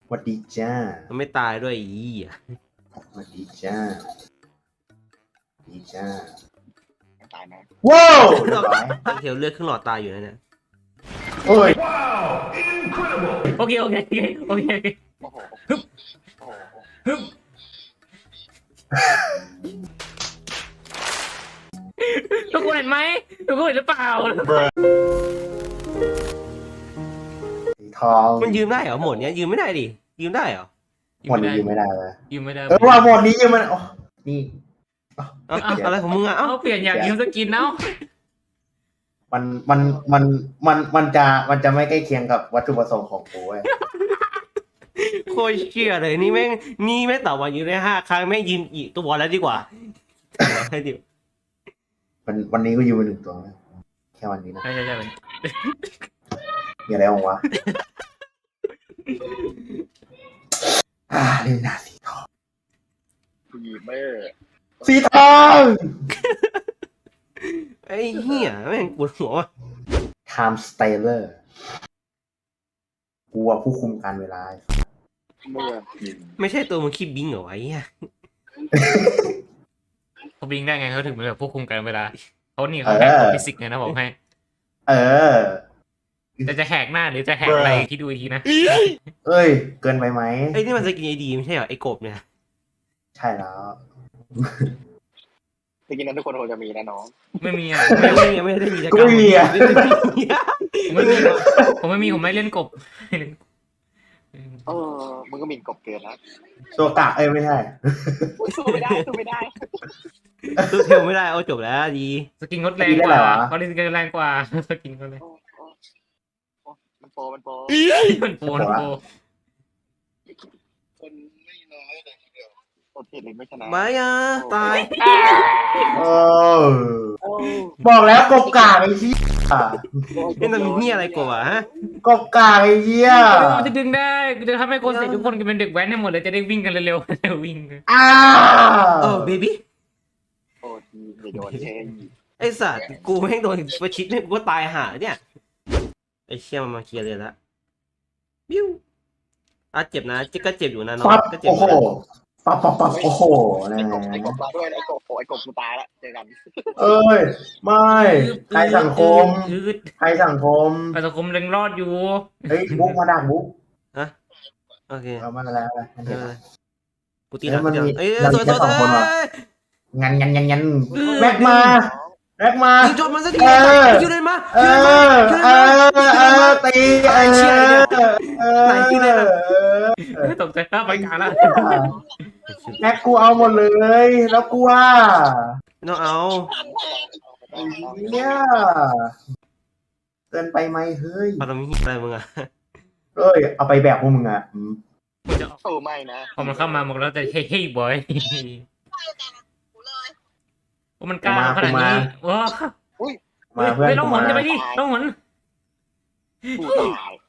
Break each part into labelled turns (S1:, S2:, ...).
S1: สวัสดีจ้า
S2: มันไม่ตายด้วยอีอ่ะ
S1: สวัสดีจ้าดีจ้า
S3: ตายนะ
S1: ว้าวเรียบร้อย
S2: เทลเลือดครึ่งหลอดตายอยู่นะเนี่ย
S1: โอ้ย
S4: โอเคโอเคโอเคโอเค
S3: โอ้โห
S4: ฮึบ
S3: โอ้โห
S4: ฮึบทุกคนเห็นไหมทุกคนเห็นหรือเปล่า
S1: สีทอง
S2: มันยืมได้เหรอหมดเนี้ยยืมไม่ได้ดิยืมได้เหรอ
S1: หมดนี้ยืมไม่ได้เลย
S4: ยืมไม่ได้
S1: ว่าหมดนี้ยืมมันโอ้นี่
S2: เอาอะไรของมึงอ่ะ
S4: เอาเปลี่ยนอยากยืมสกินเนาะ
S1: มันจะไม่ใกล้เคียงกับวัตถุประสงค์ของกูเว้ย
S2: โคตรเชื่อเลยนี่แม่งต่อวันยืมได้5 ครั้งแม่งยืมอีกตัวแล้วดีกว่าให้ดิ
S1: วันนี้ก็ยืมไป1 ตัวนะแค่วันนี้นะ
S4: ใช่
S1: มีอะไรบ้างวะเล่นหน้าสีทอง
S3: ผู้หญิงไม่
S1: สีทอง
S2: ไอ้เหี้ยแม่งปวดหัวว่ะ
S1: Time Stealer กูอะผู้คุมการเวลา
S3: เมื่อ
S2: ไม่ใช่ตัวมึงคิดบิงเหรอวะไอ้เหี้ย
S4: เขาบิงได้ไงเขาถึงเป็นแบบควบคุมกันเวลาเขานี่เขาแฮกกฎฟิสิกส์ไงนะบอกให้
S1: เออ
S4: แต่จะแหกหน้าหรือจะแหกอะไรคิดดูอีกทีนะ
S1: เอ้ย เกินไปไหม
S2: ไอ้นี่มันสกินไอดีไม่ใช่เหรอไอ้กบเนี่ย
S1: ใช่แล้ว
S3: จริงๆนั้นทุกคนคงจะมีนะน้อง
S4: ไม่มีอ่ะ
S2: ไม่ได้มี
S1: กูไม่มีอะ
S4: ผมไม่เล่นกบ
S3: มึงก็หมิ่นกบเกินนะ
S1: ตัวกะไม่ใช่
S3: สู้ไม่ได้สู้ไม่ได้
S2: ตู้เทลไม่ได้เอาจบแล้วดี
S4: สกินงดแรงกว่าเขาเล่นสกินแรงกว่าสกินเขาเลย
S3: มันโปร
S4: มันโป
S3: คนไม่น้อยเลยทีเดียวโอเคเลยไม่ชนะ
S2: ไม่อ่ะตาย
S1: เออ บอกแล้วกบกากไอ้เหี้ย
S2: นี่มันมีเหี้ยอะไรกบอ่ะฮะ
S1: กบกากไอ้เหี้ย
S4: มันจะดึงได้จะทำให้คนเสร็จทุกคนเป็นเด็กแว้นให้หมดเลยจะได้วิ่งกันเร็วๆวิ่ง
S1: อ้า
S2: โอ้เบบี้
S3: โอ้ทีไม่โดนเชย
S2: ไอ้สัตว์กูแม่งโดนประชิดเนี่ยกูก็ตายห่าเนี่ยไอ้เชี่ยมันมาเคลียร์เลยละบิ้วเจ็บนะก็เจ็บอยู่นะน้อง
S1: ปั๊บ
S2: ก็เจ็บ
S1: โอ้โหปั๊บโอ้โหนะ
S3: ไอ้กบมาด้วยไอ้กบกูตายละเจอกัน
S1: เอ้ย ไม่ใครสังคม ใครสังคม
S4: สังคมยังรอดอยู่
S1: เฮ้ยบุ๊กมาดักบุ๊ก
S2: ฮะโอเค
S1: เอามาแล้วอะไร
S2: กูตีหลังเอ้ย
S1: เรา
S2: สวย
S1: แค่สองคนว่ะ งันแม็กมา
S2: ยิงจบมันสักทีคิวเลยมา
S1: ตี
S2: ไหนคิวเลยล่ะ
S4: ตกใจไปกลางแล้ว
S1: แม็กกูเอาหมดเลยแล้วกูว่า
S2: น้องเอา
S1: เนี่ยเกินไปไหมเฮ้ย
S2: พอทำอะไรมึงอ่ะ
S1: เอ้ยเอาไปแบบพวกมึงอ่ะ
S3: โอ้ไม่นะ
S4: พอมันเข้ามามันแล้วจะเฮ้ยบอยมันกล้าขนาดนี้ว้า
S1: มาเพื่อน
S4: ไม่ต้องหมุนจะไปดิต้องหมุน
S3: กูตายโอ้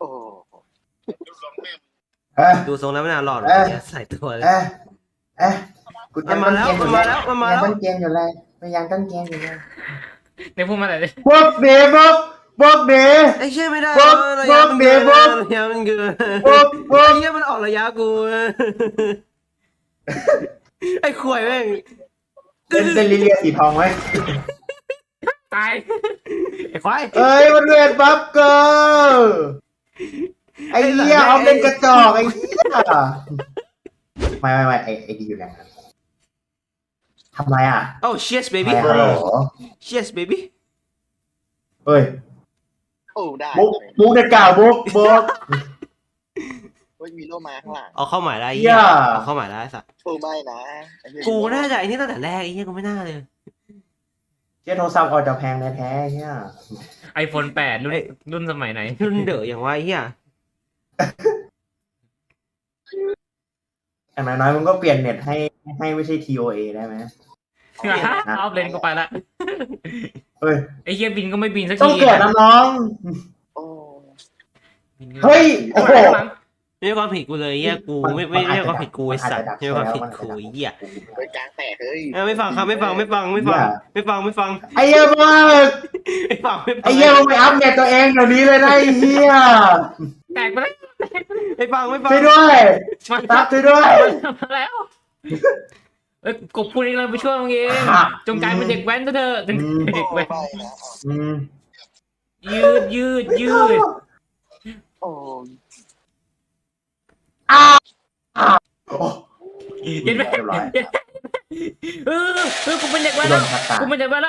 S2: ดูทรงแล้วไม่น่ารอดใส่ตัวเลย
S1: กูจะต้นเกมอยู่เลยพยายามต้นเกมอยู่เลย
S4: ในพวกมันอะไร
S1: บวกเดย์
S2: ไอ้เชี่ยไม่ได้
S1: ระยะมันเกิน
S2: ระยะมันเกินไอ้เชี่ยมันออกระยะกูไอ้ข่วยแม่ง
S1: เป็นลิเลียสีทองไหม
S4: ตายไอ้ควาย
S1: เอ้ยมันเวทบัฟเกอร์ไอ้เหี้ยเอาเป็นกระจอกไอ้เหี้ยไม่ไอ้ดีอยู่แล้วทำไรอ่ะ
S2: โอ้ cheers baby
S1: ฮัลโหล
S2: cheers baby
S1: เฮ้ย
S3: โอ้ได้
S1: บุ๊กเด็กเก่าบุ๊ก
S3: มีโลมาข้างหลัง
S2: เอาเข้าหมายได้เอาเข้าหมายได้สัตว์
S3: โอ้ไม่นะ
S2: กูน่าจะไอ้นี่ตั้งแต่แรกไอ้เหี้ยกูไม่น่าเลย
S1: เจ้าโทรศัพท์ออกจะแพงแท้ๆเนี่ย
S4: iPhone 8รุ่นสมัยไหน
S2: รุ่นเด๋ออย่างว่าไอ้เหี้ย
S1: อย่างน้อยๆมึงก็เปลี่ยนเน็ตให้ไม่ใช่ TOA ได้ไหม
S4: เอาเลนก็ไปละ
S1: เฮ้ย
S4: ไอ้เฮียบินก็ไม่บินสักที
S1: ต้องเกิดน้อง
S3: โอ้
S1: เฮ้ยโอ้โห
S2: ไม่ใช่ความผิดกูเลยเหี้ยกูไม่ใช่ความผิดกูไอ้สัตว์ไม่ใช่ความผิดกูไอ้เหี้ย
S3: ไปกลางแตกเฮ้ย
S2: ไม่ฟังครับไม่ฟัง
S1: ไอ้เหี้ยมาก
S2: ไม่ฟัง
S1: ไอ้เหี้ยมึงไปอัปเดตตัวเองเดี๋ยวนี้เลยนะไอ้เหี้ย
S4: แตกไปแล้ว
S2: ไม่ฟังไม่ฟัง
S1: ช่วยด้วย
S4: มัน
S1: ตักช่วยด้วย
S4: มาแล้วกบพูดเองเราไปช่วยมึงเองจงกลายเป็นเด็กแว้นซะเถอะเด็กแว้น
S3: ไม่นะ
S1: อืม
S4: ยืด
S3: โอ้
S1: โอ้
S4: เห็นไหม
S1: เรียบร้อย
S4: กูเป็นเด็กแว้น
S1: โด
S4: แล้ว
S1: นทักตา
S4: กูเป็นเด็กแว้นแล้ว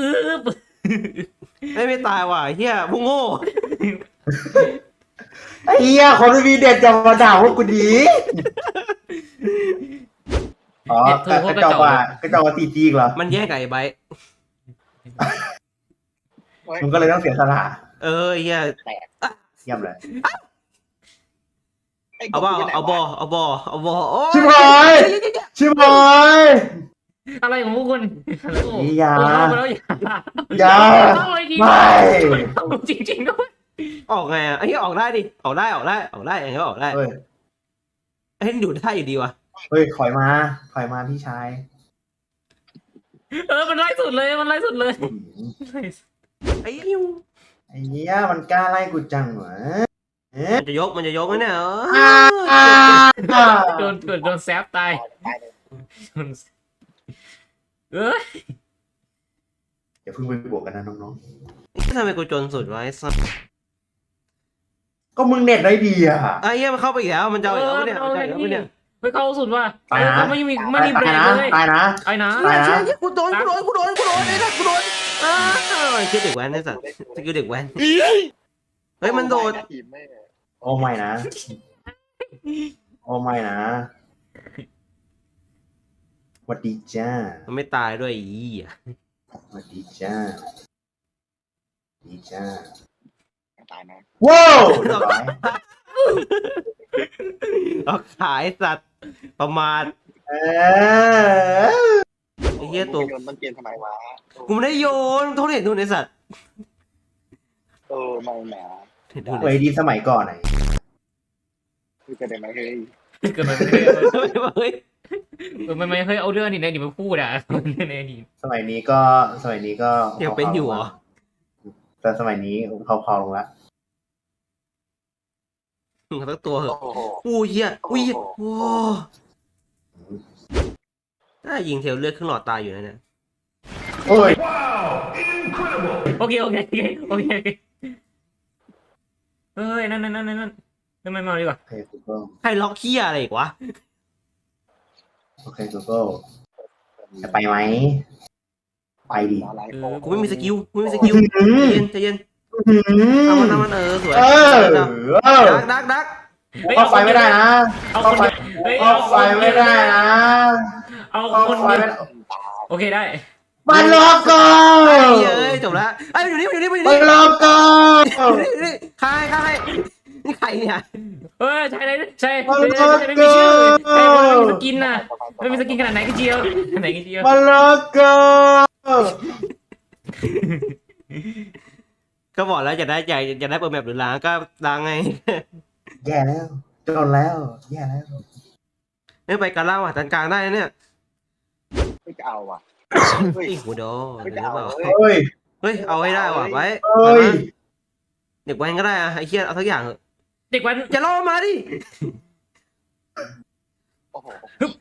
S2: ไม่ตายว่ะเฮียพวกโง่
S1: ไอ้เหี้ยคนไม่มีเด็ดจะมาด่าพวกกูดีอ๋อกระจอกว่าตีจีกเหรอ
S2: มันแย่งกับไอ้ไบร์ท
S1: มึงก็เลยต้องเสียสละ
S2: เออเฮีย
S1: เยี่ยมเลย
S2: เอาบ่เอาบ่โอ้
S1: ชิบหายชิบหาย
S4: อะไรของพวกคุณ
S1: อย่า
S4: เข้าไปแล้ว
S1: อย่า
S4: เข้าเลยดี
S1: ไม่
S4: จริงๆด้วย
S2: ออกไงอ่ะไอ้เหี้ยออกได้ดิออกได้อย่างเงี้ยออกได้
S1: เฮ้ย
S2: ไอ้นี่อยู่ได้อยู่ดีวะ
S1: เฮ้ยถอยมาพี่ชาย
S4: มันไล่สุดเลยมันไล่สุดเลย
S2: ไอ้ยิว
S1: ไอ้เหี้ยมันกล้าไล่กูจังเหรอ
S2: มันจะยกนะเนี่ย
S4: โดนแซฟตายเอ้ย
S1: อย่าเพิ่งไปบวกกันนะน้อง
S2: ทำไมกูจนสุดวะไอ้สัส
S1: ๆก็มึงเน็ตได้ดีอ่ะ
S2: ไอ้เหี้ยมันเข้าไปอีกแล้วมันจะเอาอีกแล้วเนี่ยมันจะเอาอีกแล้วเนี่ย
S4: ไม่เข้าสุดว่ะ
S1: ตายนะ
S4: ไม่มีเบรกเลย
S1: ตายนะ
S4: ไอ้นะ
S1: ตายนะ
S2: เชี่ยกูโดนไอ้สัสกูโดนคิดเด็กแว้นไอ้สัสสกิลเด็กแว้นเฮ้ยมันโดด
S3: ทีมแม่
S1: โอ้ไม่นะ โอ้ไม่นะสวัสดีจ้า
S2: มันไม่ตายด้วยอีอ่ะ
S1: สวัสดีจ้าดีจ้า
S3: ตายนะ
S1: ว้าวเรียบร้อย
S2: เอาขายสัตว์ประมาท
S1: เออ
S2: ไอ้เหี้ยตัว
S3: โยนต้นเกมทำไมวะ
S2: กูไม่ได้โยนโทษเห็นดูไอ้สัตว์
S3: ไม่แหม
S2: เห็นดู
S1: เวดีสมัยก่อนไหน
S3: คือจะได้ไหมเฮ้ย
S4: เกิดมา
S2: เฮ้ย
S4: ไม่เคยเอาเรื่องนี้ในอดีตมาพูดอ่ะในอดีต
S1: สมัยนี้ก็
S2: ยังเป็นอยู่เหรอ
S1: แต่สมัยนี้เขาพอลงแล้ว
S2: มึงทั้งตัวเห
S3: โอ้
S2: อะ
S3: โห
S2: อู้เหี้ยอู้เหี้ยโอ้ถ้ายิงเทลเลือดครึ่งหลอดตายอยู่นะเนี่ย
S1: โอ้ย
S4: โอเคเฮ้ยนั่นไม่มาดีกว่า
S1: โอเคกูก็
S2: ใครล็อกเหี้ยอะไรอีกวะ
S1: โอเคกูก็จะไปไหมไปดิ
S3: อะไร
S2: กูไม่มีสกิลใจเย็นเอามันสวย
S1: เออ
S2: ดัก
S1: เข้าไฟไม่ได้นะ
S4: เอา
S1: เข้า
S4: คน
S1: ไฟเข้าไฟไม่ได้นะ
S4: เอา
S1: เข้า
S4: คน
S1: ไฟ
S4: เดียว
S1: ไม่ได้
S4: โอเคได้
S1: มันล็อกก่อ
S2: เฮ้
S1: น
S2: ยจบแล้วไอ้อยู่นี่
S1: มันล็อกก่อน
S2: ใครนี่ใครเนี่ย
S4: ใช่ไม่มีชื่อใช่ไม่มีสกินน่ะไม่มีสกินขนาดไหนก็เจียว
S1: มันล็อกก่อน
S2: ก็บอกแล้วจะได้เปิดแมปหรือล้างก็ล้างไง
S1: แย่แล้วจนแล้วแย่แล้ว
S2: ไม่ไปการล่าว่ะจันกลางได้เนี่ย
S3: ไม่จะเอาอ่ะ
S2: ไอ้หูดอ
S3: ไม่
S2: หรื
S3: จะ
S2: อ
S3: เอา
S2: เปล่า
S1: เฮ้ย
S2: เฮ้ยเอาให้ได้ว่ะไว้
S1: เฮ้ย
S2: เด็กแว้นก็ได้อะไอ้เคียเอาสักอย่างเถอะ
S4: เด็กวัน
S2: อย่าล่อมาดิ
S3: โอ้โห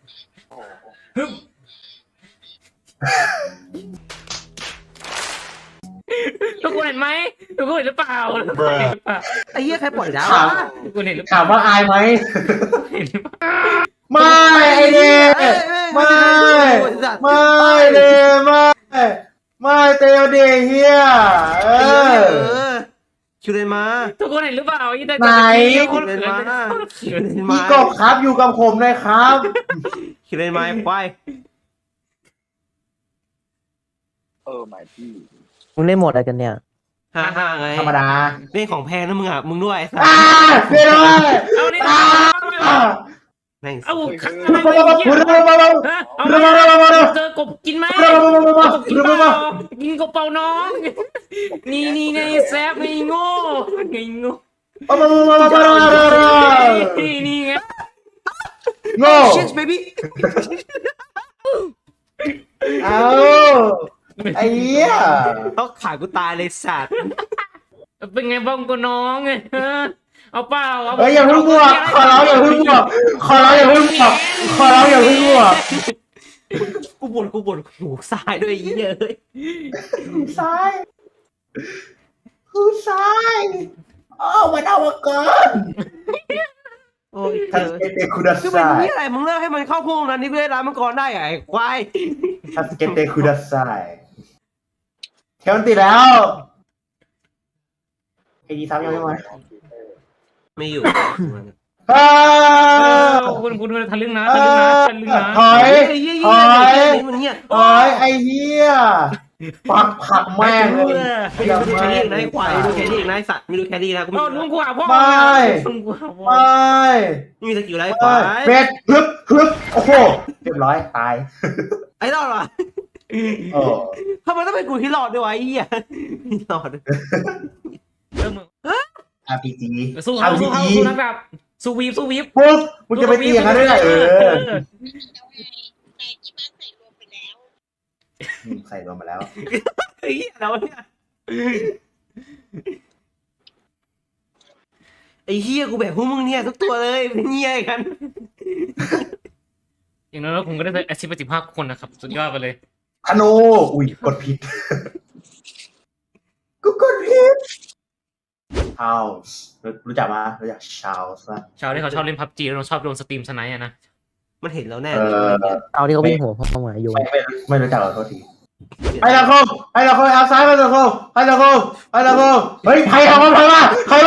S4: ทุกคนเห็นไหมทุกคนเห็นหรือเปล่า
S2: ไอ้เหี้ยใครปล่อยดาว
S4: ทุกคนเห็นหรือเป
S1: ถา
S4: ล่าม
S1: ว่าอายไหม
S4: เห็นหรือเปล่า
S1: ไม่ไอเด็กไม่เดไม่เตลเดเฮียเออ
S2: คิวเลนมา
S4: ทุกคนเห็นหรือเปล่ายี่แต่
S1: ไหน
S4: คนเขิน
S2: คิวเลน
S1: พี่
S2: มาก
S1: บครับอยู่กับผมเลยครับ
S2: คิวเลนมาควาย
S3: หมายพี่
S5: มึงเล่นโหมดอะไรกันเนี่ย
S2: ฮ่าไง
S1: ธรรมดา
S2: เล่นของแพงนะมึงอ่ะมึงด้วยไอ้สัส
S1: เดี๋ยวเลย
S4: เอานี่
S2: แม่ง
S4: เอาขัง
S1: มา
S4: อะไร
S1: มา
S4: เงี้ย
S1: มามา
S4: เอาเจอกบกินไหมกบกินเปล่ากินกบเปล่าน้องนี่ไงแซฟไงโง่นี่ไง
S1: โง่
S2: ชิชเบบี้
S1: เอาไอ้เหี้ย
S2: ต้องขากูตายเลยสัตว์
S4: เป็นไงบ้างกูน้องเอาเปล่าเอา
S1: เฮ้ยอย่าเพิ่งบวกขอร้องอย่าเพิ่งบวกขอร้องอย่าเพิ่งบวกขอร้องอย่าเพิ่งบวก
S2: กูบ่นหูซ้ายด้วยไอ้เหี้ยเอ้ย
S1: หูซ้ายหูซ้ายอ้าวมันเอามาก่อน
S2: โอ้ย
S1: ทัสเกเตคุดา
S2: คือเป็น
S1: ไซ
S2: ที่อะไรมึงเลิกให้มันเข้าพวกนั้นนี่กูได้ร้านมังกรได้ไอ้ควาย
S1: ทัสเกเตคุดาไซแค่มันติดแล้วไอ้ดีซ้ำยังไม่มา
S2: ไม่อยู่
S1: อ้า
S4: คุณทะลึ่งนะทะลึ่งนะทะลึ่งนะ
S1: ถอย
S2: ไอ้เหี้ย
S1: ถอย
S2: มันเงี้ย
S1: ถอยไอ้เหี้ยผักแม่งเลย
S2: ไม่ดูแครี่อีกนะไอ้ควายไม่ดูแครี่อีกนะไอ้สัตว์ไม่ดูแครี่นะกู
S4: เอาลุงกูหาพ่อ
S1: ไม่
S4: ลุงกูหาพ่อ
S1: ไม่
S2: ไม่มีสกิลอะไรไอ้ควาย
S1: เบ็ดฮึบโอ้โหเรียบร้อยตาย
S2: ไอ้รอดวะ
S1: โอ้
S2: ทำไมต้องเป็นกูที่รอดด้วยวะไอ้เหี้ยไม่รอด
S1: RPG
S4: สู้
S1: RPG
S4: สู้นักแบบสู้วีบ
S1: ปุ๊บมึงจะไปตีอย่างนั้นได้ไงใส่ลงมาแล้ว
S2: ไอ้เหี้ยแล้วเนี่ยไอ้เหี้ยกูแบบพวกมึงเนี่ยทุกตัวเลยเป็นเหี้ยกัน
S4: อย่างนั้นแล้วผมก็ได้อาชีพไป15 คนนะครับสุดยอดไปเลย
S1: ธนูอุ้ยกดผิดกูกดผิดชาลส์รู้จักมารู้จักชาลส์ป่ะ
S4: ชาวที่เขาชอบเล่นพับจีแล้วชอบโดนสตรีมสไนท์อะนะ
S2: มันเห็นแล้วแน่เลย
S5: เอาที่เขาวิ่งหัวเข้ามาอยู่
S1: ไม่รู้จักหรอโทษทีไอ้ละโคเอาซ้ายมาละโคไอ้ละโคเฮ้ยใครเอามาใครมา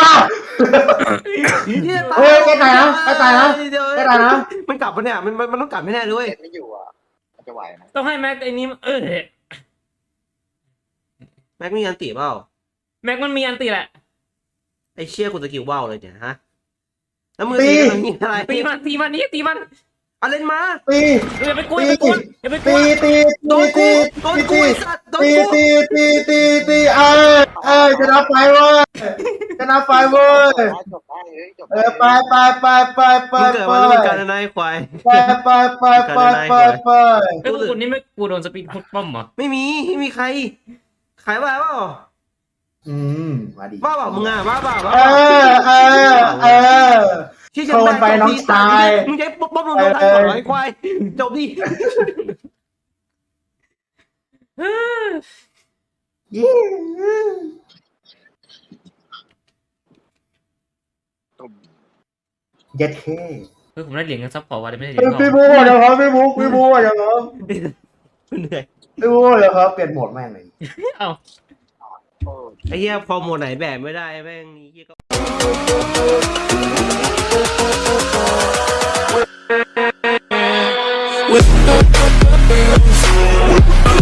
S1: เฮ้ยแกตายนะ
S2: มันกลับปะเนี่ยมันต้องกลับไม่แน่เลย
S3: เน็ตไม่อยู่อ่ะมันจะไหวไหม
S4: ต้องให้แม็กไอ้นี้
S2: แม็กมีอันตีเปล่า
S4: แม็กมันมีอันตีแหละ
S2: ไอ้เชี่ยกูสกิลว่าวเลยเนี่ยฮะแล้วมือตีอะไร
S4: ตีมันตีมัน
S2: เอาเล่นมา
S1: ตี
S4: อย่าไปกลัวอย่าไปกลัวอย่าไปกลัว
S2: โดนกูไอ้สัตว์โดนกู
S1: ตีจะนับไฟเว้ยจะนับไฟเว้ย
S3: จบได้เลยจบ
S1: ไป
S2: มึงเกิดมาแล้วมึงการนายควาย
S1: ไป
S4: ไอ้พวกคุณนี่ไม่กลัวโดนสปีดพุทป้อมเหรอ
S2: ไม่มีใครขายบ้าเปล่า
S1: มาดิ
S2: บ้าเปล่ามึงอ่ะบ้าเปล่า
S1: โทนไปน้องชาย
S2: มึงใช้ป๊อปลงโดนได้ก่อนไอ้ควายจบดิ
S1: เย็ดเค
S4: ผมได้เหรียญเงินซับพอร์ตว่าได้ไม่ได้เหรียญทอง
S1: พี่บูเดี๋ยวครับพี่บูเดี๋ยวครับ
S2: เหนื่อย
S1: พี่บูเดี๋ยวครับเปลี่ยนโหมดแม่งเลย
S4: เอ้า
S2: ไอ้เหี้ยพอโหมดไหนแบบไม่ได้แม่งนี่เหี้ยก็